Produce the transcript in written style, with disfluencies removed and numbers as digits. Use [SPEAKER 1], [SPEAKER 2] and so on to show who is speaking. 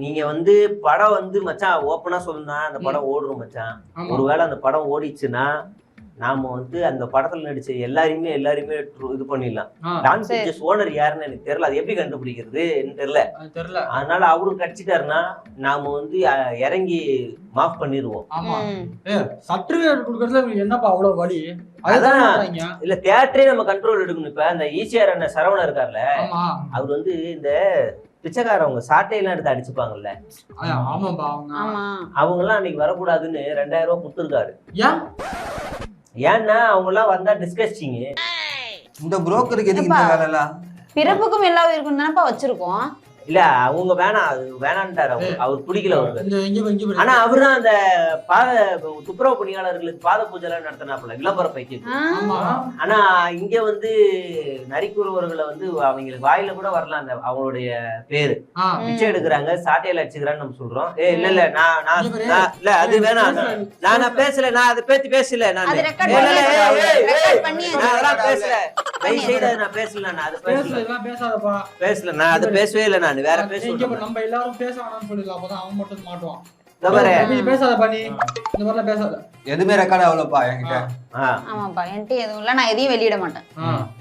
[SPEAKER 1] நீங்க வந்து படம் வந்து மச்சான் ஓப்பனா சொல்லணும்னா அந்த படம் ஓடுறோம் மச்சான். ஒருவேளை அந்த படம் ஓடிச்சுன்னா நாம வந்து அந்த படத்துல நடிச்ச எல்லாரையுமே இது பண்ணிடலாம். டான் பிக்சர்ஸ் ஓனர் யாருன்னு எனக்கு தெரியல. அது எப்படி கண்டுபிடிக்கிறது தெரியல. அதனால அவரும் கட்சிக்காருன்னா நாம வந்து இறங்கி மாஃப் பண்ணிடுவோம்.
[SPEAKER 2] சர்டிபிகேட் கொடுக்கறதுல என்னப்பா அவ்வளவு வழி?
[SPEAKER 1] அதான் இல்ல தியேட்டரே நம்ம கண்ட்ரோல் எடுக்கணும். இப்ப அந்த ஈசிஆர் அண்ணன் சரவணன் இருக்கார்ல, அவர் வந்து இந்த பிச்சைக்காரவங்க சாட்டையெல்லாம் எடுத்து அடிச்சுப்பாங்கல்ல, அவங்க எல்லாம் அன்னைக்கு வரக்கூடாதுன்னு 2000 ரூபாய் கொடுத்துருக்காரு. ஏன்னா அவங்க எல்லாம் வந்தா டிஸ்கஸ்டிங்.
[SPEAKER 3] இந்த புரோக்கருக்கு எதுக்கு இந்த வேலை எல்லாம்?
[SPEAKER 4] பிறப்புக்கும் எல்லா உயிருக்கும் தானப்பா வச்சிருக்கோம்.
[SPEAKER 1] இல்ல அவங்க வேணான்ட்டாரு. அவர் பிடிக்கல அவருக்கு. ஆனா அவருதான் அந்த துப்புரவு பணியாளர்களுக்கு பாத பூஜை எல்லாம் நடத்தினாப்புல விளம்பர பைக்கு. ஆனா இங்க வந்து நரிக்குறவர்களை வந்து அவங்களுக்கு வாயில கூட வரலாம் அந்த அவங்களுடைய பேரு. பிச்சை எடுக்கிறாங்க, சாட்டையில அடிச்சுக்கிறான்னு நம்ம சொல்றோம். இல்ல இல்ல அது வேணாம். நான் பேசல, நான் அதை பத்தி பேசல. நான் அதெல்லாம் பேசல. நான் பேசல, நான் அது பேசல, நான் அது பேசவே இல்லை. நான் வேற பேசுவேன்.
[SPEAKER 2] நம்ம எல்லாரும் பேச வேணாம்னு சொல்லிடலாம். அப்பதான் அவன் மட்டும் மாட்டுவான்.
[SPEAKER 3] பேசாத பண்ணி இந்த மாதிரிலாம் பேசாத. எதுவுமே ரெக்கார்ட் ஆகலப்பா என்கிட்ட.
[SPEAKER 4] ஆமாப்பா என்கிட்ட எதுவும் இல்லை. நான் எதையும் வெளியிட மாட்டேன்.